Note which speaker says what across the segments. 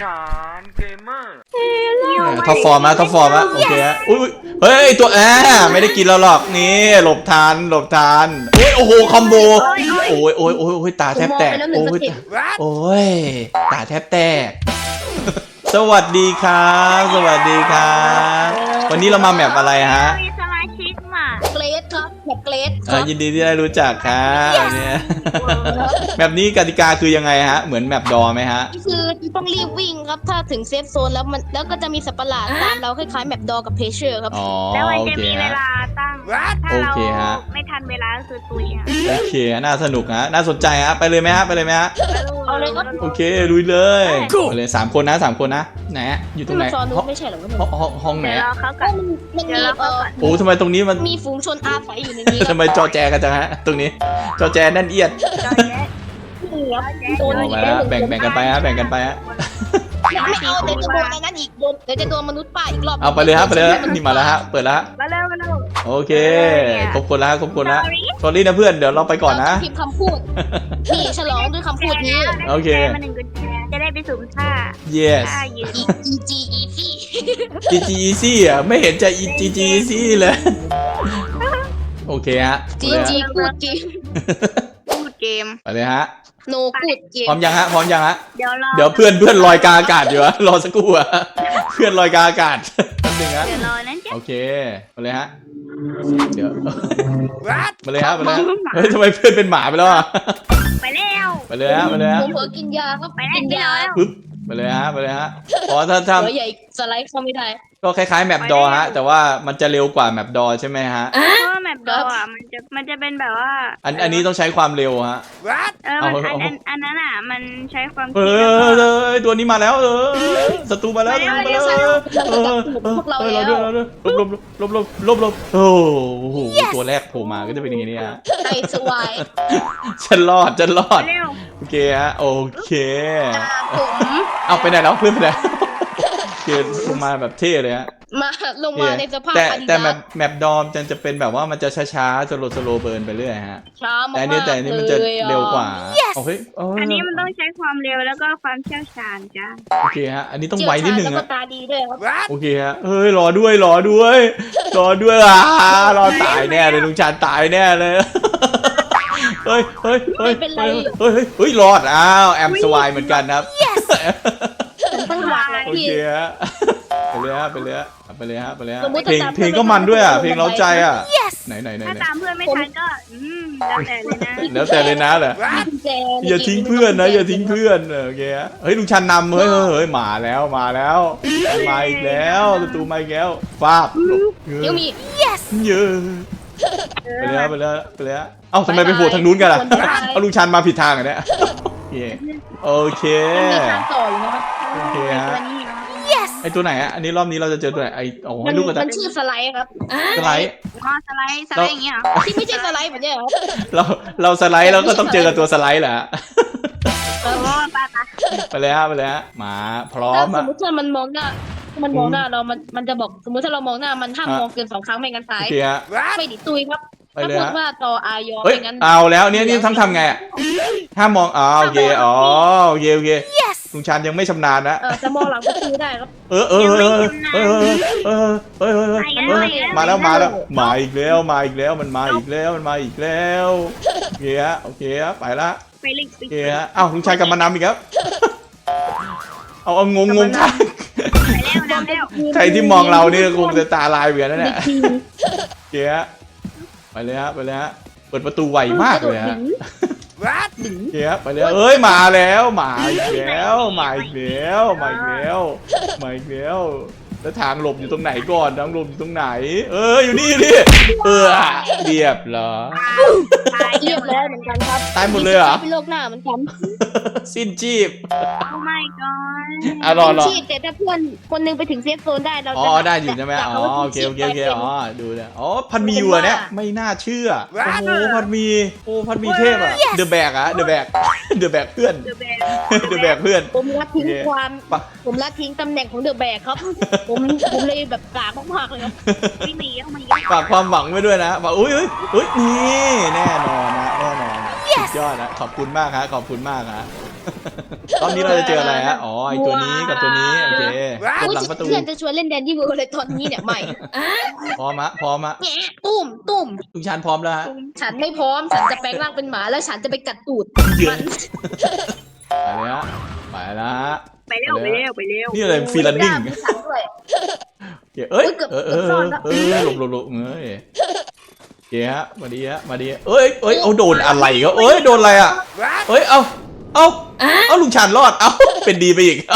Speaker 1: านเกมเมอร์
Speaker 2: ท็อปฟอร์มนะท็อปฟอร์มนะโอเคฮะอุ้ยเฮ้ยตัวไม่ได้กินเราหรอกนี่หลบทันหลบทันอุ้ยโอ้โหคอมโบโอ้ยโอ้ยโอ้ยตาแทบแตกโอ้ยโอ้ยตาแทบแตกสวัสดีครับสวัสดีครับวันนี้เรามาแมปอะไรฮะ
Speaker 3: มีสมาชิกมา
Speaker 4: เกรดครับแบบเกรด
Speaker 2: ยินดีที่ได้รู้จักครับเนี่ยแบบนี้กติกาคือยังไงฮะเหมือนแมปดอไหมฮะ
Speaker 4: คือต้องรีบวิ่งครับถ้าถึงเซฟโซนแล้วก็จะมีสัตว์ประหลาดตามเราคล้ายๆแมปดอกับเพเชอร์ครับ
Speaker 3: แล้วมัน
Speaker 2: โอ
Speaker 3: จะ
Speaker 2: เค
Speaker 3: มีเว
Speaker 2: ฮะ
Speaker 3: ลาตั้งถ้าเราไม่ทันเวลาก็คือตุย
Speaker 2: โอเคน่าสนุกฮะน่าสนใจฮะไปเลยไหมฮะไปเลยไหมฮะ
Speaker 4: เอาเลยครับ
Speaker 2: โอเคลุยเลยไปเลย3 คนนะ3 คนนะไหนอยู่ตรงไหน
Speaker 4: ไม่ใช่หรอ
Speaker 2: ห้องไหน
Speaker 4: มันมี
Speaker 2: โอ้ทำไมตรงนี้มัน
Speaker 4: มีฝูงชนอาศัยอยู่ในนี้
Speaker 2: ทำไมจอแจกันจังฮะตรงนี้จอแจแน่นเอียดออกมาแล้วแบ่งกันไปฮะแบ่งกันไปฮะ
Speaker 4: ไม่เอาเดี๋ยวจะโดนในนั้นอีกเดี๋ยวจะโดนมนุษย์ป้าอีกรอบ
Speaker 2: เอาไปเลยฮะไปเลยนี่มาแล้วฮะเปิดแล้ว
Speaker 3: มาเร็วมาเร็ว
Speaker 2: โอเคครบคนแล้วครบคนแล้วสอรี่นะเพื่อนเดี๋ยวเราไปก่อนนะ
Speaker 4: พิมพ์คำพูดนี่ฉลองด้วยคำพูดนี้
Speaker 2: โอเค
Speaker 3: มา1 กุญแจจะได้ไปสุ่มท่า
Speaker 2: yes
Speaker 4: EG easy
Speaker 2: GG easy อ่ะไม่เห็นจะ GG easy เลยโอเคฮะ
Speaker 4: GG พูดจริง
Speaker 3: พูดเกม
Speaker 2: ไปเลยฮะ
Speaker 4: โนพูดเกม
Speaker 2: พร้อมยังฮะพร้อมยังฮะ
Speaker 3: เดี๋
Speaker 2: ยวเพื่อนลอยกาอากาศอยู่รอสักครู่อะเพื่อนลอยกาอากาศนิดนึงฮะ
Speaker 3: เดี๋ยวรอนั่นจ้ะ
Speaker 2: โอเคมาเลยฮะเดี๋ยวมาเลยฮะมาเลยเฮ้ยทำไมเพื่อนเป็นหมาไปแล้วอะ
Speaker 3: ไปแล้ว
Speaker 2: ไปเลยฮะไปเลยฮะ
Speaker 4: ผมเผลอกินยาครับ
Speaker 3: กินยา
Speaker 2: ปึ๊บไปเลยฮะไปเลยฮะอ๋อถ้า
Speaker 4: ใหญ่สไลด์เข้าไม่ได้
Speaker 2: ก็คล้ายๆแมปดอฮะแต่ว่ามันจะเร็วกว่าแมปดอใช่ไหมฮะ
Speaker 3: เพราะว่าแมปดออ่ะมันจะเป็นแบบว่า
Speaker 2: อันนี้ต้องใช้ความเร็วฮะ
Speaker 3: อันนั้นอ่ะมันใช้ความคิด
Speaker 2: ตัวนี้มาแล้วศัตรูมาแล้ว
Speaker 4: พวกเราแล้ว
Speaker 2: ลบโอ้โหตัวแรกโผล่มาก็จะเป็นอย่างนี้ฮะ
Speaker 4: ไอ้สวาย
Speaker 2: ฉันรอดโอเคฮะโอเคเอาไปไหนแล้วเพื่อนไปไหนเกิดลงมาแบบเท่เลยฮะ
Speaker 4: ลงมาในสภาพ
Speaker 2: แต่แมปดอมจะเป็นแบบว่ามันจะช้าๆสโลเบิร์นไปเรื่อยฮะแต่อันนี้มันจะเร็วกว่าโอเค
Speaker 3: อันนี้มันต้องใช้ความเร็วแล้วก็ความเชี่ยวชาญจ้ะ
Speaker 2: โอเคฮะอันนี้ต้องไวนิดนึง
Speaker 4: แล้วก็ตาดีด้วยครับ
Speaker 2: โอเคฮะเฮ้ยรอด้วยรอตายแน่เลยลุงชาญตายแน่เลยเฮ้ยรอดอ้าวแอมสวายเหมือนกันครับโอเคฮะไปเลยฮะเพลงก็มันด้วยอ่ะเพลงเร้าใจอ่ะไหน
Speaker 3: ถ้าตามเพื่อนไม่ทันก็
Speaker 2: แล้วแต่เลยนะเหรออย่าทิ้งเพื่อนนะอย่าทิ้งเพื่อนโอเคฮะเฮ้ยลุงชันนำเฮ้ยมาแล้วมาอีกแล้วศัตรูมาอีกแล้วฟาบ
Speaker 4: ยังมี
Speaker 2: เยอะไปเลยเอ้าทำไมไปโผล่ทางนู้นกันล่ะเอาลุงชันมาผิดทางอ่ะเนี่ยโอเคโอเคฮะไอตัวไหนอ่ะอันนี้รอบนี้เราจะเจอตัวไหนไอโอ้ยลูกกระต่าย
Speaker 4: มันชื่อสไลด์ครับ
Speaker 2: สไลด์
Speaker 3: อย่างเงี้ย
Speaker 4: ที่ไม่ใช่สไลด์แบบเนี้ยครับ
Speaker 2: เราสไลด์เราก็ต้องเจอกับตัวสไลด์แหละไปเลยฮะมาพร้อม
Speaker 4: สมมติว่ามันมองหน้าเรามันจะบอกสมมติถ้าเรามองหน้ามันห้ามมองเกิน2 ครั้งไม่งั้นตายไม่ดิตุยครับถ้าพูดว่าต่ออายอไม่งั้น
Speaker 2: เอาแล้วนี่ทำไงอ่ะห้ามมองโอเคโอเคลุงชันยังไม่ชำนาญนะ
Speaker 4: จะมองหลังก็คือได้ครับ
Speaker 2: มาแล้วมาอีกแล้วมันมาอีกแล้วโอเคไปละโอเคเอ้าลุงชันกลับมานำอีกครับเอางงทันใครที่มองเราเนี่ยคงจะตาลายเหมือนนั่นแหละโอเคไปเลยฮะเปิดประตูไวมากเลยฮะไปเลยมาแล้วอีกแล้วแล้วทางหลบอยู่ตรงไหนก่อนอยู่นี่เรียบร้อย
Speaker 4: เหมือนกันครับ
Speaker 2: ตายหมดเลยเหรอ
Speaker 4: เป็นโรคหน้าเหมือนกัน
Speaker 2: สิ้นชีพ
Speaker 3: โอ้ my god
Speaker 2: รอ
Speaker 4: แต่ถ้าเพื่อนคนนึงไปถึงเซฟโซนได้เรา
Speaker 2: ได้อยู่ใช่ไหมโอเคดูเลยพันมีอยู่เนี่ยไม่น่าเชื่อโอ้โหพันมีเทพอะเดอะแบกเพื่อน
Speaker 4: ผมละทิ้งตำแหน่งของเดอะแบกครับผมเลยแบบกากมากเลยครับ
Speaker 3: ไม่หนีเข้ามา
Speaker 2: ฝากความหวังไว้ด้วยนะว่าอุ้ยนี่แน่นอนสุดยอดนะขอบคุณมากฮะรอบนี้เราจะเจออะไรฮะอ๋อไอตัวนี้กับตัวนี้โอเคหลบหลังประตู
Speaker 4: เพื่อนจะชวนเล่นแดนดี้เวิร์เลยตอนนี้เนี่ยไม่
Speaker 2: พร้อมะพร้อมะ
Speaker 4: แง่ตุ้ม
Speaker 2: ลุงชานพร้อมแล้วฮะ
Speaker 4: ฉันไม่พร้อมฉันจะแปลงร่างเป็นหมาแล้วฉันจะไปกัดตูด
Speaker 2: เย
Speaker 4: มั
Speaker 2: อะ
Speaker 4: น
Speaker 2: ไปเลยฮะไปแล้วฮะ
Speaker 3: ไปเร็วไปเร็วไปเร็ว
Speaker 2: นี่อะไรฟรีลันนิ่ง
Speaker 4: มีฉันด้วย
Speaker 2: เอ้ย
Speaker 4: เกือบ
Speaker 2: หลบเอ้ยเกียฮะมาดีฮะมาดีเอ้ยเอาโดนอะไรก็เอ้ยโดนอะไรอ่ะเอ้ยเอาลุงชานรอดเอาเป็นดีไปอีกเอา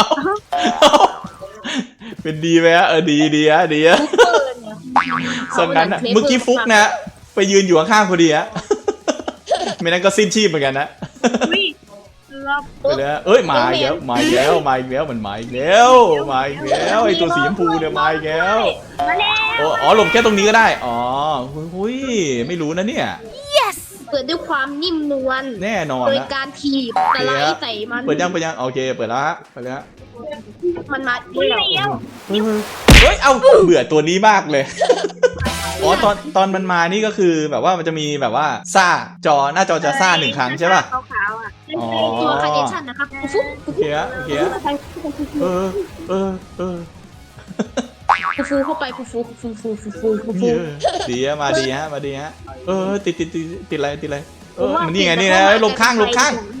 Speaker 2: เป็นดีไหมฮะดีฮะสังกันนะเมื่อกี้ฟุกนะไปยืนอยู่ข้างๆพอดีฮะไม่นั้นก็สิ้นชีพเหมือนกันนะ
Speaker 3: วิ่งรอบ
Speaker 2: ไปเลยเอ้ยมาอีกแล้วมันมาอีกแล้วไอตัวสีชมพูเนี่ยมาอีกแล้ว
Speaker 3: มาแล้ว
Speaker 2: อ๋อหลบแค่ตรงนี้ก็ได้อ๋อหุยไม่รู้นะเนี่ย
Speaker 4: เปิดด้วยความนิ่มนวล
Speaker 2: แน่นอน
Speaker 4: โดย
Speaker 2: นะ
Speaker 4: การถีบสไลด์ใส่มัน
Speaker 2: เปิดยังโอเคเปิดแล้วฮะไปเลยฮะ
Speaker 4: มันมา
Speaker 3: วิ่ง
Speaker 4: เดียว
Speaker 3: เร็ว
Speaker 2: เฮ้ยเอาเบื่อตัวนี้มากเลยอ๋อตอนมันมานี่ก็คือแบบว่ามันจะมีแบบว่าซ่าหน้าจอจะซ่า1 ครั้งใช่ป่ะ
Speaker 3: ขาวๆอ่ะ
Speaker 2: อ๋อ
Speaker 4: ตัวคาร์เนชั่นนะครับฟุ๊บ
Speaker 2: โอเคฮะเออ
Speaker 4: ฟูเข้าไปฟู
Speaker 2: ดีฮะมาดีฮะติดอะไรมันนี่ไงนี่นะหลบข้างแล้ว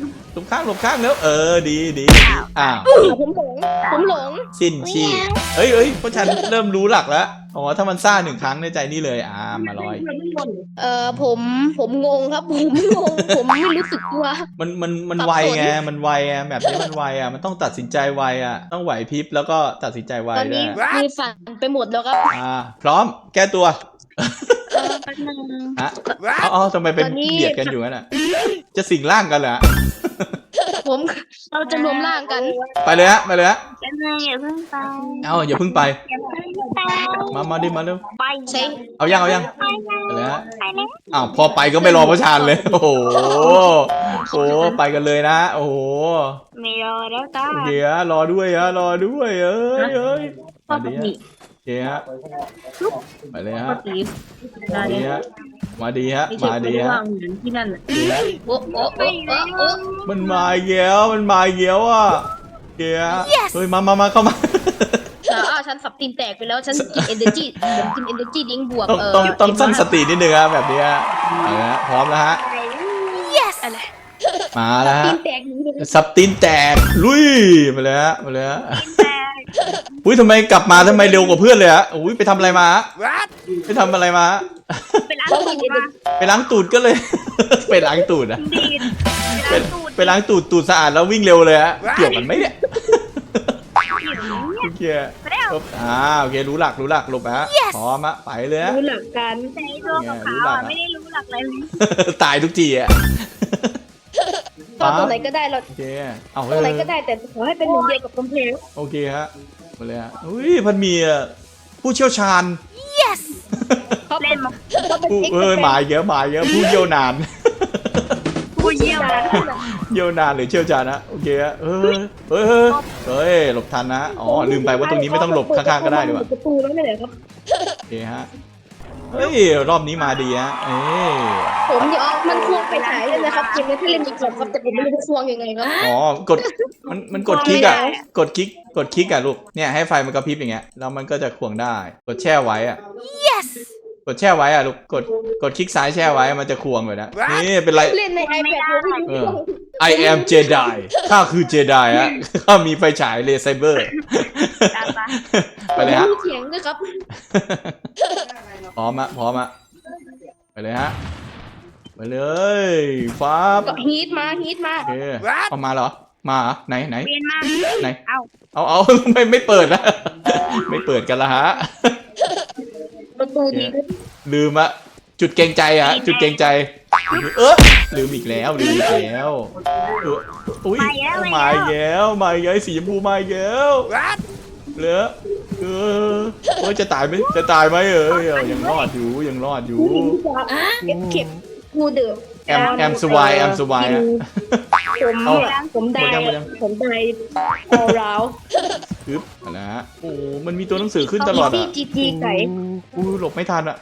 Speaker 2: ดีอ้าว
Speaker 4: ผมหลง
Speaker 2: สิ้นชีพเฮ้ยเพราะฉันเริ่มรู้หลักแล้วอ๋อถ้ามันซ่า1 ครั้งในใจนี่เลยมาลอย
Speaker 4: ผมงงครับผมไม่รู้สึกตัว
Speaker 2: มันไวไงแบบนี้มันไวมันต้องตัดสินใจไวต้องไหวพริบแล้วก็ตัดสินใจไว
Speaker 4: ตอน
Speaker 2: ด้ว
Speaker 4: นี้
Speaker 2: ย
Speaker 4: มือสั่นไปหมดแล้วครับ
Speaker 2: พร้อมแก้ตัว
Speaker 3: แป๊บนึง
Speaker 2: ฮะเอาทำไมเป็นเบียดกันอยู่งั้นจะสิงร่างกันเหรอ
Speaker 4: เราจะรวมร่างกัน
Speaker 2: ไปเลยฮะ
Speaker 3: แป๊บนึงอย่าเพิ่งไป
Speaker 2: อย่าเพิ่งไป
Speaker 3: อย่าเพิ่งไป
Speaker 2: มาดิมาเร็ว
Speaker 3: ไป
Speaker 4: ใช่
Speaker 2: เอายัง
Speaker 3: ไปแล้ว
Speaker 2: ไปเลยฮะ
Speaker 3: ไปแล้ว
Speaker 2: พอไปก็ไม่รอพระชานเลยโอ้โหไปกันเลยนะโอ้โห
Speaker 3: ไม่รอแล้วจ้า
Speaker 2: โอเคฮะรอด้วยเอ้ย
Speaker 4: ข้อ
Speaker 2: มา
Speaker 4: ป
Speaker 2: ดี
Speaker 4: ก
Speaker 2: ฮะ
Speaker 4: ติ
Speaker 2: โอเคฮะไปเลย
Speaker 4: ข้อ
Speaker 2: ฮะ
Speaker 4: ตี
Speaker 2: มาดีฮะ
Speaker 4: ไม่ใช่ไม่ได้ว่างเหมือนที่นั่นอ่ะโอ้
Speaker 2: มันมาอีกแล้วเกียเฮ้ยมาเข้ามา
Speaker 4: ฉันสับตีนแตกไปแล้วฉันกิน energy ผมกิน energy ดิ้งบวก
Speaker 2: ต้องตั้งสตินิดนึงครับแบบนี้เอาละพร้อมแล้วฮะ
Speaker 3: อะไร
Speaker 2: มาแล้วฮะ
Speaker 4: ตีนแตกนี้เลย
Speaker 2: สับตีนแตกลุยมาเลยฮะ
Speaker 3: แต่
Speaker 2: อุ้ยทำไมกลับมาทำไมเร็วกว่าเพื่อนเลยฮะอุ้ยไปทำอะไรมาไปทำอะไรมา
Speaker 3: เป็นอะไรมา
Speaker 2: ไปล้างตูดก็เลย ไปล้างตูดอะ
Speaker 3: ดีด
Speaker 2: ไปล้างตูดสะอาดแล้ววิ่งเร็วเลยฮะเกี่ยวกันไหมเนี่ยโอเคโอเครู้หลักหลบฮะพร้อมฮะไปเลยฮะ
Speaker 4: รู้หลักการ
Speaker 3: แต่ตัวขาวๆไม่ได้รู้หลักอะไรเลย
Speaker 2: ตายทุกทีอ่ะ
Speaker 4: ตัวไหนก็ได้เรา
Speaker 2: โอเคเอา
Speaker 4: ตัวไหนก็ได้แต่ขอให้เป็นหนึ่งเดียวกับกำแพง
Speaker 2: โอเคฮะมาเลยฮะอุ้ยมันมีผู้เชี่ยวชาญ
Speaker 3: เล่นมา
Speaker 2: มาเยอะผู้เยี่ยวนาน
Speaker 3: ผู้เยี่ยมนะ
Speaker 2: เยี่ยวนานหรือเชี่ยวชาญนะโอเคฮะหลบทันนะอ๋อลืมไปว่าตรงนี้ไม่ต้องหลบข้างๆก็ได้ดีกว่า
Speaker 4: ประตูแล้วไม่ไหนครับ
Speaker 2: โอเคฮะเฮ้ยรอบนี้มาดีฮะ
Speaker 4: ผมเดี๋ยวมันควงไปฉายเลยนะครับเกมนี้ถ้าเล่นอีกครับแต่ผมไม่รู้จะควงยังไงครับ
Speaker 2: อ๋อกดมันกดคลิกอ่ะกดคลิกอ่ะลูกเนี่ยให้ไฟมันกระพริบอย่างเงี้ยแล้วมันก็จะควงได้กดแช่ไว้อ่ะ กดแช่ไว้อ่ะลูกกดคลิกซ้ายแช่ไว้มันจะควงเลยนะนี่เป็นไร
Speaker 4: เล่นใน iPad
Speaker 2: เออ I am Jedi ข้าคือ Jedi ฮะข้ามีไฟฉายเลเซเบอร์ไปเลยฮะ
Speaker 4: เถียงด้วยครับ
Speaker 2: พร้อมอะไปเลยฮะไปเลยฟ้า
Speaker 4: ก็ฮีทมา
Speaker 2: โอเคเอามาเหรอมาเหรอไหน
Speaker 3: เปลี่ยนมา
Speaker 2: ไหน
Speaker 3: เอา
Speaker 2: ไม่เปิดนะไม่เปิดกันละฮะ
Speaker 4: ประตูดี
Speaker 2: ลืมอะจุดเกรงใจอะจุดเกรงใจลืมอีกแล้วอุ้ยมาอีกแล้วสีชมพูมาอีกแล้วเหลือจะตายไหมยังรอดอยู่
Speaker 4: เก็บกูเดือด
Speaker 2: แอมสวายอะ
Speaker 4: ผมได้เอาเราว
Speaker 2: ปึ๊บนะฮะโอ้มันมีตัวหนังสือขึ้นตลอดอะ
Speaker 4: จีไก่
Speaker 2: หลบไม่ทันอะ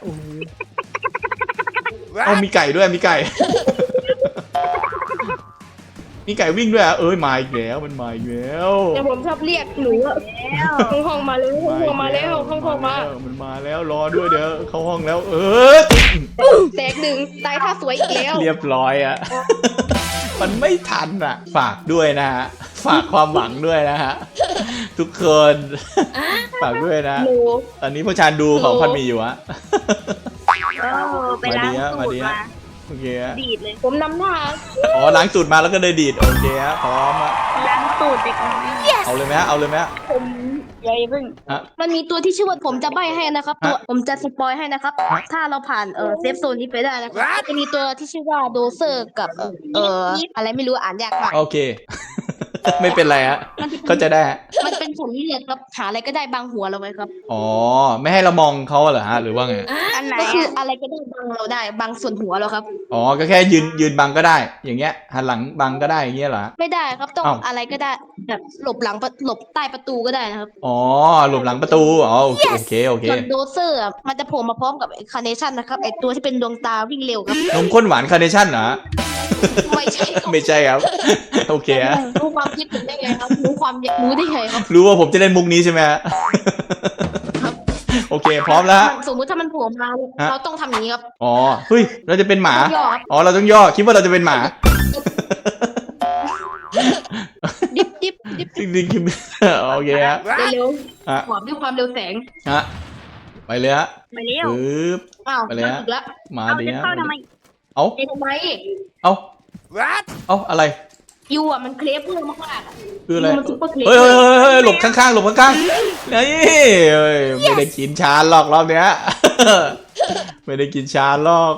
Speaker 2: มีไก่ด้วยมีไก่มีไก่วิ่งด้วยอ่ะเอ้ยมาอีกแล้วมันมาอีกแล้ว
Speaker 4: แต่ผมชอบเรียกหนูอะห้องมาแล้วห้องมาแล้วห้องมา
Speaker 2: มันมาแล้วรอด้วยเดี๋ยวเข้าห้องแล้ว
Speaker 4: แตกหนึ่งตายท่าสวยอีกแล้ว
Speaker 2: เรียบร้อยอ่ะ มันไม่ทันอ่ะ ฝากด้วยนะฮะฝากความหวังด้วยนะฮะทุกคนฝากด้วยนะ
Speaker 4: หนู
Speaker 2: ตอนนี้พ่อชานดูของพันมีอยู่อะ
Speaker 3: ไปล้างสูตรมา
Speaker 2: โอเคฮะ
Speaker 3: ดีดเลย
Speaker 4: ผมนำหน้า
Speaker 2: อ๋อล้างสูตรมาแล้วก็เลยดีดโอเคฮะพร้อมอะ
Speaker 3: ล้างสูตรเด็กน้อย
Speaker 2: เอาเลยไหมฮะเอาเลยไหมฮะ
Speaker 4: ผม
Speaker 3: ยายพึ่ง
Speaker 2: ฮะ
Speaker 4: มันมีตัวที่ชื่อว่าผมจะใบ้ให้นะครับตัวผมจะสปอยให้นะครับ
Speaker 2: ฮะ
Speaker 4: ถ้าเราผ่านเซฟโซนนี้ไปได้นะครับจะมีตัวที่ชื่อว่าโดเซอร์กับอะไรไม่รู้อ่านยากมาก
Speaker 2: โอเค ไม่เป็นไรฮะก็จะได้ฮะ
Speaker 4: มันเป็นผลเลือดครับหาอะไรก็ได้บางหัวเราไว้ครับ
Speaker 2: อ๋อไม่ให้เรามองเขาเหรอฮะหรือว่าไง
Speaker 3: อันไหน
Speaker 4: ก็คืออะไรก็ได้บางเราได้บางส่วนหัวเราครับ
Speaker 2: อ๋อก็แค่ยืนบังก็ได้ อย่างเงี้ยหันหลังบังก็ได้อย่างเงี้ยเหรอฮะ
Speaker 4: ไม่ได้ครับต้อง
Speaker 2: อ้าว
Speaker 4: อะไรก็ได้แบบหลบหลังหลบใต้ประตูก็ได้นะครับ
Speaker 2: อ๋อหลบหลังประตูอ๋อโอเคโอเคโอเค
Speaker 4: ส่วนโดเซอร์มันจะโผล่มาพร้อมกับคาร์เนชั่นนะครับไอตัวที่เป็นดวงตาวิ่งเร็วครับ
Speaker 2: นมข้นหวานคาร์เนชั่นเหรอฮะ
Speaker 4: ไม่ใช่ครับ
Speaker 2: ไม่ใช่ครับ โอเคฮะ
Speaker 4: รู้ความคิดผมได้ไงครับรู้ความอยากรู้ได้ไงครับ
Speaker 2: รู้ว่าผมจะเล่นมุกนี้ใช่ไหมฮะ โอเคพร้อมแล้วฮะ
Speaker 4: สมมุติถ้ามันโผล่มาเราต้องทำอย่างนี้ครับ
Speaker 2: อ๋อเฮ้ยเราจะเป็นหมา
Speaker 4: ต้องย่อครับ
Speaker 2: อ๋อเราต้องย่อคิดว่าเราจะเป็นหมา
Speaker 4: ดิบดิบ
Speaker 2: จริงๆคิดโอเคฮะ
Speaker 4: เร็ว
Speaker 2: ฮะ
Speaker 4: ๆหวบด้วยความเร็วแสง
Speaker 2: ฮะไปเลยฮะ
Speaker 3: ไปเร็ว
Speaker 2: ปึ๊บ
Speaker 4: อ้าว
Speaker 2: ไปเลยฮะ
Speaker 4: ถึงแล้ว
Speaker 2: มา
Speaker 3: เอา
Speaker 2: ดี
Speaker 3: จะ
Speaker 2: ฮะ
Speaker 3: เข้าทำไม
Speaker 2: เอา
Speaker 4: เอ้ทำไม
Speaker 2: เอาเอาอะไร
Speaker 4: ยูอ่ะมันเคลฟเพื่อมากๆอ่ะ
Speaker 2: คืออะไร
Speaker 4: มันซุปเปอร์เคลฟ
Speaker 2: เฮ้ยเฮ้ยเฮ้ยเฮ้ยหลบข้างๆหลบข้างๆนี่เฮ้ยไม่ได้กินชาหรอกรอบเนี้ย ไม่ได้กินชาหรอก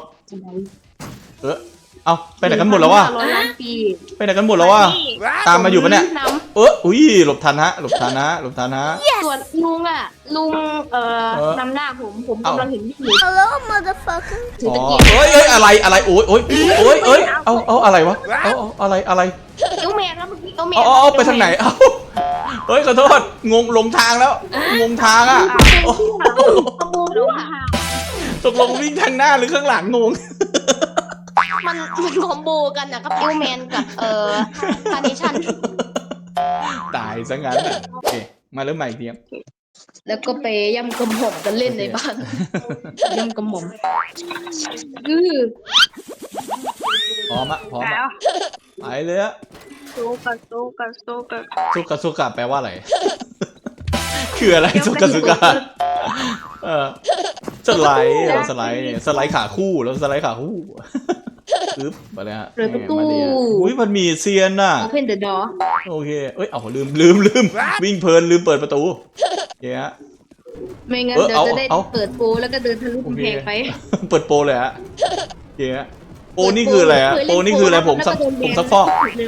Speaker 2: เอาไปไหนกันหมดแล้ววะ
Speaker 4: 1,500 ล้านปี
Speaker 2: ไปไหนกันหมดแล้ววะตามมาอยู่ปะเนี่ย
Speaker 4: น
Speaker 2: อุ้ยหลบทันฮะหลบทันฮะหลบทันฮะ
Speaker 4: ำส่วนลุงอ่ะลุงนำหน้าผมกำลังเห็นพี่
Speaker 1: Hello, motherfucker.
Speaker 4: ถือ
Speaker 2: อ๋อ
Speaker 4: ตะเกียบ
Speaker 2: เอ้ยอะไรโอ้ยเอาอะไรวะเอาอะไร
Speaker 4: เอลแมนครับเมื่อกี้เอลแมน
Speaker 2: เอาไปทางไหนเอาเฮ้ยขอโทษงงหลงทางแล้วงงทางอ่ะ
Speaker 4: ขโมยด้วย
Speaker 2: ตกลงวิ่งทางหน้าหรือข้างหลังงง
Speaker 4: มันคอมโบกันนะครับเอลแมนกับคาร์เนชั่น
Speaker 2: ตายซะงั้นอ่ะโอเคมาเริ่มใหม่อีกทีครับ
Speaker 4: แล้วก็ไปย่ำกระหม่อมกันเล่นในบ้านย่ำกระหม่อม
Speaker 2: พร้อมพร้อม
Speaker 3: แล้ว
Speaker 2: ไปเลยอะ
Speaker 3: สู้กับ
Speaker 2: สุกะแปลว่าอะไร คืออะไรสุกะสไลด์ขาคู่แล้วสไลด์ขาคู่ปึ๊บไปเลยฮะ
Speaker 4: เปิดประตู
Speaker 2: อุ้ยมันมีเซียนน่ะ
Speaker 4: Open the door
Speaker 2: โอเคเอ้ยเอาลืมวิ่งเพลินลืมเปิดประตูเฮ้ย
Speaker 4: ไม่งั้นเดี๋ยวจะได้เปิดโปรแล้วก็เดินทะลุกำแพงไป
Speaker 2: เปิดโปรเลยฮะเฮ้ยโปรนี่คืออะไรฮะโปรนี่คืออะไรผมซักฟอก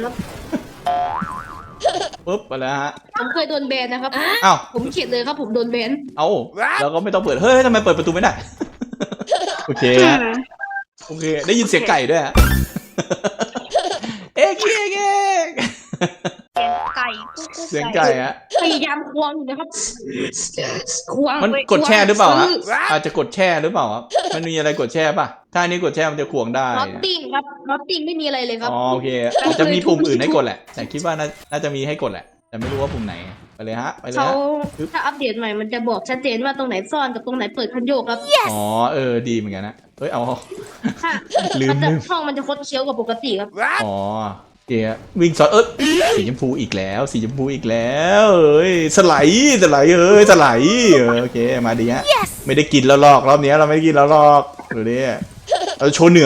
Speaker 2: ปุ๊บไปแล้วฮะ
Speaker 4: ผมเคยโดนแบนนะครับ
Speaker 2: อ้าว
Speaker 4: ผมเขียนเลยครับผมโดนแบน
Speaker 2: เอาแล้วก็ไม่ต้องเปิดเฮ้ยทำไมเปิดประตูไม่ได้ โอเคฮะโอเคได้ยินเสียงไก่ด้วยฮะเอ๊ะเก๊ก
Speaker 3: ไก่
Speaker 2: เสียงไก่ฮะ
Speaker 4: พยายามควงอยู่นะครับควง
Speaker 2: มันกดแช่หรือเปล่าฮะอาจจะกดแช่หรือเปล่าครับมันมีอะไรกดแช่ป่ะถ้าอันนี้กดแช่มันจะควงได้
Speaker 4: น็อตติ้งครับน็อตติ้งไม่มีอะไรเลยครับ
Speaker 2: อ๋อโอเคอาจจะมีปุ่มอื่นให้กดแหละแต่คิดว่าน่าจะมีให้กดแหละแต่ไม่รู้ว่าปุ่มไหนไปเลยฮะไปเลย
Speaker 4: เขา
Speaker 2: ฮะ
Speaker 4: ถ้าอัปเดตใหม่มันจะบอกชัดเจนว่าตรงไหนซ่อนกับตรงไหนเปิดคันโยกครับ
Speaker 2: อ๋อดีเหมือนกันนะเฮ้ยเอา
Speaker 4: ถ้า
Speaker 2: ลืม
Speaker 4: ห้องมันจะคดเคี้ยวกว่าปกติครับ
Speaker 2: อ๋อโอเควิ่งสอดสีชมพูอีกแล้วสีชมพูอีกแล้วเอ้ยสไลด์สไลด์โอเคมาดีฮะไม่ได้กินแล้วหรอกรอบนี้เราไม่ได้กินแล้วหรอกดูดิเราโชว์เหนือ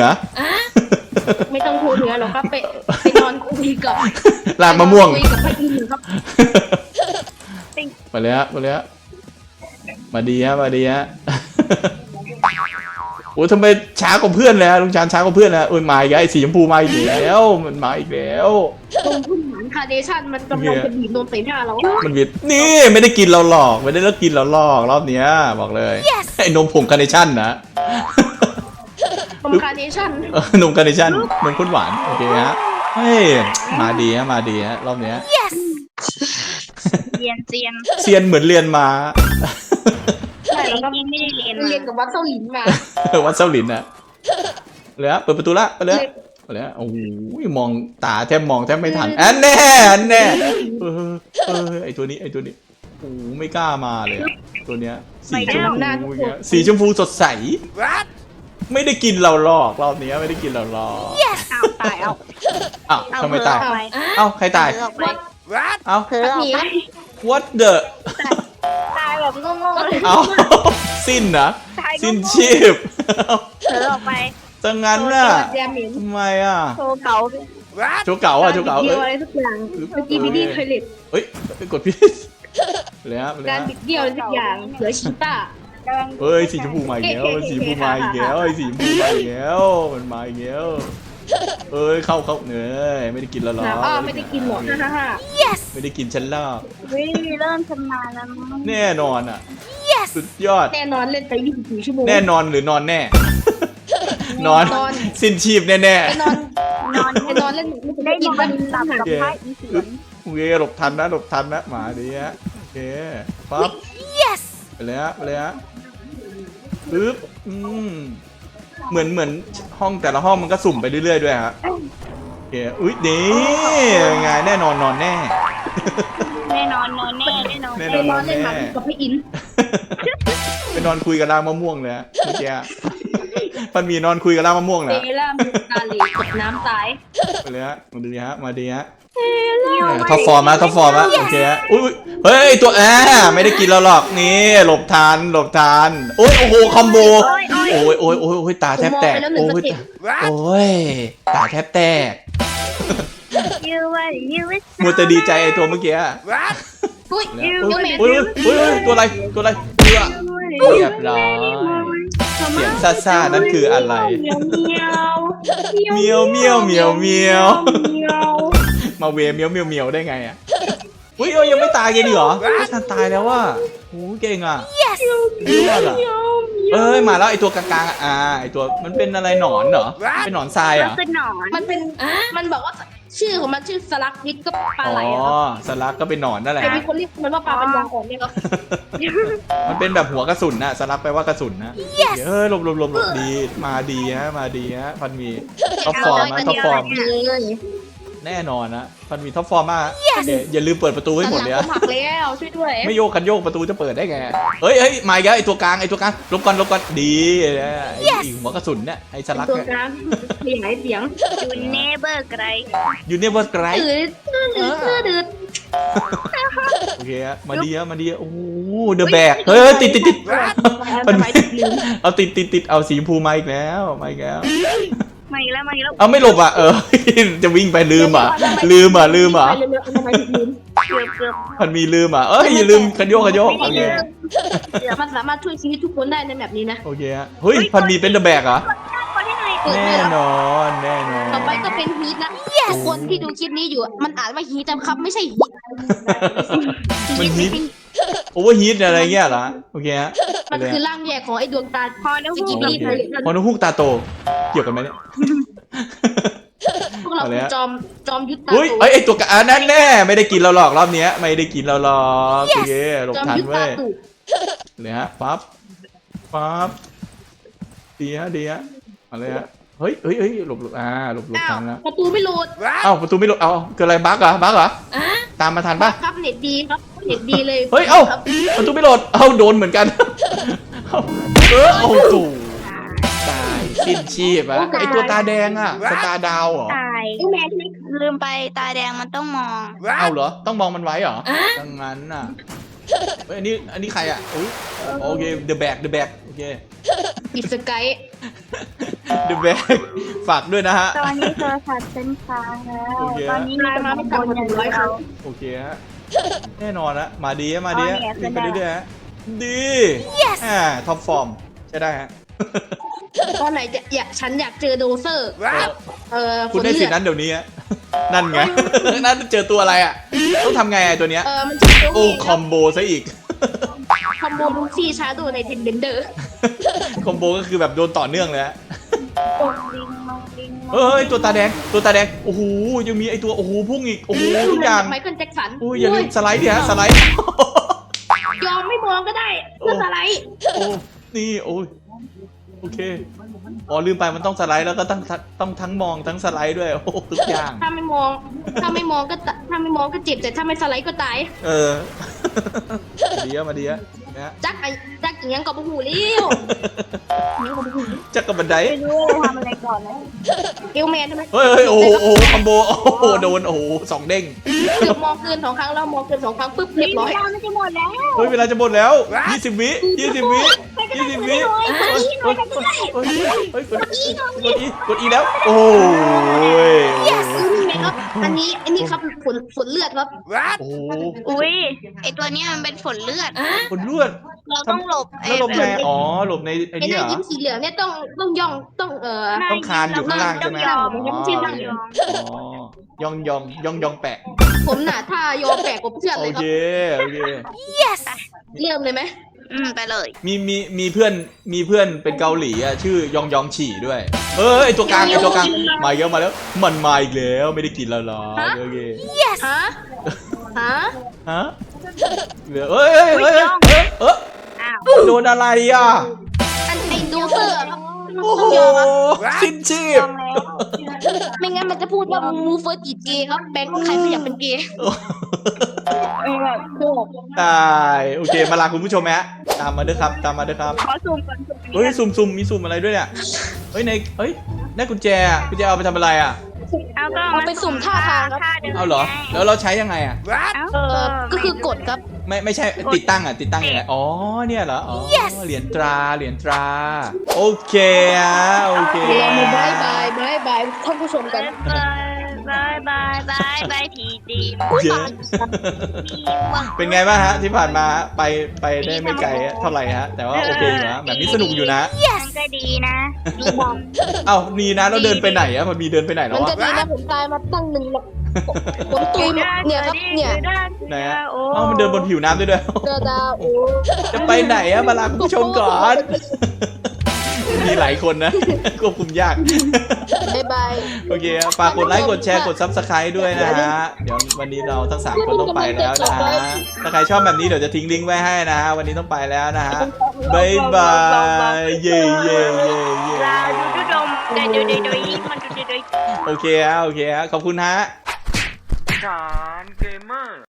Speaker 4: ไม่ต้องโทรเหนือหรอกครับไปนอนคุยกับ
Speaker 2: ลากมะม่วง
Speaker 4: คุยกับพระอินทร์ครับ
Speaker 2: ไปเลยฮะมาดีฮะ โอ้ทำไมช้ากว่าเพื่อนเลยฮะลุงชานช้ากว่าเพื่อนนะมาอีกแล้วไอ้สีชมพูมาอีกแล้วมันมาอีกแล้ว
Speaker 4: ตรงพุ่มหมานคาร์เนชั่นมันกำลังจะบีบนมใส่หน้าเรา
Speaker 2: มันวิดนี่ไม่ได้กินเราหลอกไม่ได้เลิกกินเราหลอกรอบเนี้ยบอกเลยไอ้นมผงคาร์เนชั่นนะ
Speaker 4: นมคาร์เนชั่น
Speaker 2: นมคาร์เนชั่นนมข้นหวานโอเคฮะเฮ้ยมาดีฮะรอบเนี้ย
Speaker 3: เรียน
Speaker 2: เซียนเหมือนเรียนมา
Speaker 3: ใช่แล้วก็ไม่ได้เรียน
Speaker 4: เรียนกับวัดเซาหลินมา
Speaker 2: วัดเซาหลินอะเลยฮะเปิดประตูละไปเลยแล้วโอ้โหมองตาแทบมองแทบไม่ทันอันแน่ไอตัวนี้โอ้ไม่กล้ามาเลยตัวเนี้ยสีชมพูสีชมพูสดใสไม่ได้กินเราหรอกรอบนี้ไม่ได้กินเราหรอก
Speaker 3: เอาตายเอา
Speaker 2: อ้าวทำไมตาย
Speaker 3: เอ
Speaker 2: เอ้าใครตาย
Speaker 3: ออกไป
Speaker 2: เอ้า
Speaker 3: เผลอออกไป
Speaker 2: what the
Speaker 3: ตายแบบงงๆเลย
Speaker 2: เอ้าสิ้นนะ
Speaker 3: ตาย
Speaker 2: สิ้นชีพ
Speaker 3: เผลอออกไป
Speaker 2: จังงั้นน่ะ
Speaker 4: แยมเหม็น
Speaker 2: ทำไมอ่ะ
Speaker 3: โชว์เก๋า
Speaker 2: โชว์เก่าโชว์เก่า
Speaker 4: เดียวอะไรสักอย่างเมื่อกี้พี่ดีเคยเล็ด
Speaker 2: เฮ้ยกดผิดเลยฮะ
Speaker 4: การบิดเดียวอะไรสักอย่างเหลือชีต้า
Speaker 2: เฮ้ยสีชมพูมาอีกแล้วสีชมพูมาอีกแล้วสีชมพูมาอีกแล้วมันมาอีกแล้วเอ้ยเข้าเนื้อไม่ได้กินแล้วหรอ
Speaker 4: ไม่ได้กินหรอกฮ่า
Speaker 2: ไม่ได้กินฉันแล้ว
Speaker 3: วิเริ่มชำนาญแล้วมั้ง
Speaker 2: แน่นอนอ่ะสุดยอด
Speaker 4: แน่นอนเล่นไป24 ชั่วโมง
Speaker 2: แน่นอนหรือนอนแน่ นอนสิ้นชีพแน่
Speaker 4: แน่นอนนอนเล่นไม่
Speaker 3: ได้
Speaker 4: ได้
Speaker 3: ยิ
Speaker 4: กิ
Speaker 3: น
Speaker 4: น
Speaker 3: มั
Speaker 4: วัน น
Speaker 3: ตับกับ
Speaker 2: โอเค
Speaker 3: ไพ่อีเสียง
Speaker 2: โอเคหลบทันนะหมาดีฮะโอเคปั๊บไปเลยฮะปึ๊บเหมือนห้องแต่ละห้องมันก็สุ่มไปเรื่อยๆด้วยฮะโอเคอุ้ยนี่ไงแน่นอนนอนแน่
Speaker 3: แน่นอนนอนแน่แน่นอน
Speaker 2: แน่
Speaker 4: ไปนอนเล่นหมากกับพี่อิน
Speaker 2: ไปนอนคุยกับรางมะม่วงเลยฮะเมื่อกี้มันมีนอนคุยกับรางมะม่วง
Speaker 4: เบ
Speaker 2: นะ
Speaker 4: ล่ามูตาลีกดน้ำตาย
Speaker 2: ไปเลยฮะมาดีฮะท็อปฟอร์มฮะโอเคฮะอุ้ยเฮ้ยตัวไม่ได้กินเราหรอกนี่หลบทันโอ้ยโอ้โหคอมโบโอ้ยตาแทบแตกโอ้ยตาแทบแตก
Speaker 3: ยูว่ายูว่า
Speaker 2: มัวแต่ดีใจไอ้ตัวเมื่อกี้
Speaker 4: อุ้ย
Speaker 2: อุ้
Speaker 4: ยู
Speaker 2: ย
Speaker 4: แมน
Speaker 2: ตัวอะไรเรียบร้อยเสียงซ่าๆนั่นคืออะไรเมียวมาเวเมียวได้ไงอ่ะอุ้ยยังไม่ตายกันดิเหรอไม่ทันตายแล้วว่ะโอ้เก่งอ่ะดีมากอ่ะมาแล้วไอตัวกลางๆไอตัวมันเป็นอะไรหนอนเหรอเป็นหนอนทราย
Speaker 3: ก็
Speaker 2: อ่ะ
Speaker 3: คือหนอน
Speaker 4: มันบอกว่าชื่อของมันชื่อสลักวิทก็ปลาไหล
Speaker 2: สลักก็เป็นหนอนนั่นแหละ
Speaker 4: แต่มีคนเรียกมันว่าปลาปัญญาอ่อนเนี่ยครับ
Speaker 2: มันเป็นแบบหัวกระสุนนะสลักแปลว่ากระสุนนะหลบดีมาดีฮะพันมีท็อปฟอร์มแน่นอนนะพันมีท็อปฟอร์มมากอย่าลืมเปิดประตูให้หมดเลย
Speaker 4: ผักแล้วช่วยด้วย
Speaker 2: ไม่โยกประตูจะเปิดได้ไงเฮ้ยมาอีกแล้วไอตัวกลางลบก่อนดีอีหัวกระสุนเนี่ยไอสลัก
Speaker 4: ตัวกลางขยายเสียง
Speaker 3: ยูเนเบอร์ไกร
Speaker 2: ยูเนเวอร์ไกร
Speaker 4: ดืด
Speaker 2: โอเคมาดีโอ้เดอะแบกเฮ้ยติดเอาติดเอาสีชมพูมาอีกแล้ว
Speaker 3: มาอีกแล้ว
Speaker 2: เอาไม่หลบอ่ะจะวิ่งไปลืมอ่ะ
Speaker 3: เกือบ
Speaker 2: มันมีลืมอ่ะอย่าลืมขยโยกโอเค
Speaker 4: มันสามารถช่วยชีวิตทุกคนได้ในแบบนี้นะ
Speaker 2: โอเคฮะเฮ้ยพันมีเป็นเดอะแบกเหรอ
Speaker 3: คนที่ไหน
Speaker 2: แน่นอน
Speaker 4: ต่อไปก็เป็นฮีทนะทุกคนที่ดูคลิปนี้อยู่มันอ่านว่าฮีทนะครับไม่ใช่ฮีท
Speaker 2: มันฮีทโอเวอร์ฮีทอะไรเงี้ยเหรอโอเคฮะ
Speaker 4: มันคือร่างแยกของไอ้ดวงตาพอแล้วกีบี
Speaker 2: พอนุฮุกตาโตเกี่ยวกันไหมเนี่ย
Speaker 4: พวกเราจอมยุทธตา
Speaker 2: เฮ้ยไอตัวกะนั่นแน่ไม่ได้กินเราหรอกรอบนี้ไม่ได้กินเราหรอกโอเคหลบทันเว้ยเลยฮะปั๊บดีฮะอะไรฮะเฮ้ยหลบหลบทันแล้ว
Speaker 4: ประตูไม่โหลด
Speaker 2: ประตูไม่หลบเกิดอะไรบั๊กเหรอตามมาทันปะ
Speaker 4: ครับเน็ตดีครับเน็ตดีเลย
Speaker 2: เฮ้ยประตูไม่โหลดโดนเหมือนกันโอ้โหตายสิ้นชีพอะไอตัวตาแดงอะสตาร์ดาวเหรอ
Speaker 3: ตายแม่ลืมไปตาแดงมันต้องมอง
Speaker 2: เหรอต้องมองมันไว้เหรอดังนั้นน่ะอันนี้ใครอะโอเค The Bag โอเค
Speaker 4: ปิดสกาย
Speaker 2: The Bag ฝากด้วยนะฮะ
Speaker 3: ตอนนี้โทรศัพท์เป็นค้างแล้วตอนนี้มีแต่บนอย่างเดียว
Speaker 2: โอเคฮะแน่นอนนะมาดีวิ่งไปเรื่อยๆฮะดีท็อปฟอร์มใช่ได้ฮะ
Speaker 4: ตอนไหนฉันอยากเจอโดเซอร์
Speaker 2: คุณได้สิทธิ์นั้นเดี๋ยวนี้นั่นไงนั่นเจอตัวอะไรอ่ะต้องทำไงไอ้ตัวเนี้ย
Speaker 4: มันจะ
Speaker 2: โอ้คอมโบซะอีก
Speaker 4: คอมโบลูซี่ชาร์โดในเทนเบนเดอร์
Speaker 2: คอมโบก็คือแบบโดนต่อเนื่องเลยฮะเฮ้ยตัวตาแดงโอ้โหยังมีไอตัวโอ้โหพุ่งอีกโอ้โหทุกอย่าง
Speaker 4: ไมเคิลแจ็คสัน
Speaker 2: อย่าลืมสไลด์ดิฮะสไลด์
Speaker 4: ยอมไม่มองก็ได้เพื่อสไลด์
Speaker 2: โอ้นี่โอ้ยโอเคอ๋อลืมไปมันต้องสไลด์แล้วก็ต้องทั้งมองทั้งสไลด์ด้วยโอ้โหทุกอย่าง
Speaker 4: ถ้าไม่มองก็เจ็บแต่ถ้าไม่สไลด์ก็ตาย
Speaker 2: มาดีอะนะ
Speaker 4: จักอย่างยังกับหูเลี้ยว
Speaker 2: จักกับบันได
Speaker 3: ไม่รู้ว่าทำอะไรก่อนนะ
Speaker 4: เอลแมนทำไม
Speaker 2: เฮ้ยโอ้โหคอมโบโอ้โหโดนโอ้โห2 เด้ง
Speaker 4: เกือบมองเกิน2 ครั้งแล้วมองเกิน2 ครั้งปุ๊บเรียบร้อย
Speaker 3: มันจะหมดแล้ว
Speaker 2: เฮ้ยเวลาจะหมดแล้ว20 วิ20 วิ20 วิกดอีแล้วโอ้ย
Speaker 4: นี่ไงครับอันนี้ครับฝนเลือดครับ
Speaker 2: โอ้
Speaker 3: อุ้ยไอตัวเนี้ยมันเป็นฝนเลือด
Speaker 2: คนลวด
Speaker 3: เราต้องหลบ
Speaker 2: แล้วหลบในอ๋อหลบในไอ้
Speaker 4: ไอ้
Speaker 2: นี่
Speaker 4: ห
Speaker 2: เหร
Speaker 4: น้า
Speaker 2: อ
Speaker 4: ยิ้มสีเหลืองเนี่ยต้องย่องต้อง
Speaker 2: ต้องคานอยู่ข้างล่างใช่ไหม
Speaker 3: ยอม
Speaker 2: ยองแปะ
Speaker 4: ผมน่ะถ้ายอมแปลกผมเชื่อ
Speaker 2: โอ
Speaker 4: เลยครั
Speaker 2: เค
Speaker 4: บ
Speaker 2: โอเค
Speaker 4: เริ่มเลยไหม
Speaker 3: ไปเลย
Speaker 2: มีเพื่อนเป็นเกาหลีอ่ะชื่อยองฉี่ด้วยไอตัวกลางมาเยอะมาแล้วมันมาอีกแล้วไม่ได้กินแล้วหรอโอเค
Speaker 4: ฮะ
Speaker 2: ฮะเหลือโดนอะไรอ่ะ
Speaker 4: ไอ้ดูเซอร์ครับ
Speaker 2: โอ้โหสิ้นชีพ
Speaker 4: ไม่งั้นมันจะพูดว่ามูเฟอร์จีเกย์ครับแบงค์ใครไม่อยากเป็นเกย์
Speaker 2: ตายโอเคมาลาคุณผู้ชมไหมฮะตามมาด้วยครับ
Speaker 3: ขอซูมก่อน
Speaker 2: เฮ้ยซุ่มมีซุ่มอะไรด้วยเนี่ยเฮ้ยได้กุญแจเอาไปทำอะไรอ่ะ
Speaker 4: เอาไปสุ่มท่าทางครับ
Speaker 2: เอาเหรอแล้วเราใช้ยังไงอ่ะ
Speaker 4: ก็คือกดครับ
Speaker 2: ไม่ใช่ติดตั้งยังไงอ๋อเนี่ยเหรออ๋อเหรียญตราโอเคโอเค
Speaker 4: บายท่านผู้ชมกัน
Speaker 3: บายทีดี
Speaker 2: เป็นไงบ้างฮะที่ผ่านมาไปได้ไม่ไกลเท่าไหร่ฮะแต่ว่าโอเคอยู่นะแบบนี้สนุกอยู่นะ
Speaker 3: มันก็ดีนะ
Speaker 2: เอ้านีนะเราเดินไปไหนอะพอมีเดินไปไหนแล้
Speaker 4: มั
Speaker 2: วน
Speaker 4: จะ
Speaker 2: วะ
Speaker 4: ดีนะผมตายมาตั้ง1 หรอกผมตุยเนี่ยครับเนี่ย
Speaker 2: ไหนฮะเอ้ามันเดินบนผิวน้ำด้วย
Speaker 4: เจอดาวโอ้
Speaker 2: จะไปไหนอะมาลาคุณผู้ชมก่อนมีหลายคนนะควบคุมยาก
Speaker 4: บาย
Speaker 2: โอเคฝากกดไลค์กดแชร์กด Subscribe ด้วยนะฮะเดี๋ยววันนี้เราทั้ง3คนต้องไปแล้วนะฮะถ้าใครชอบแบบนี้เดี๋ยวจะทิ้งลิงก์ไว้ให้นะฮะวันนี้ต้องไปแล้วนะฮะบ๊ายบายเย่
Speaker 3: ลาดูดมมันดู
Speaker 2: โอเคฮะขอบคุณฮะ
Speaker 3: จ๋า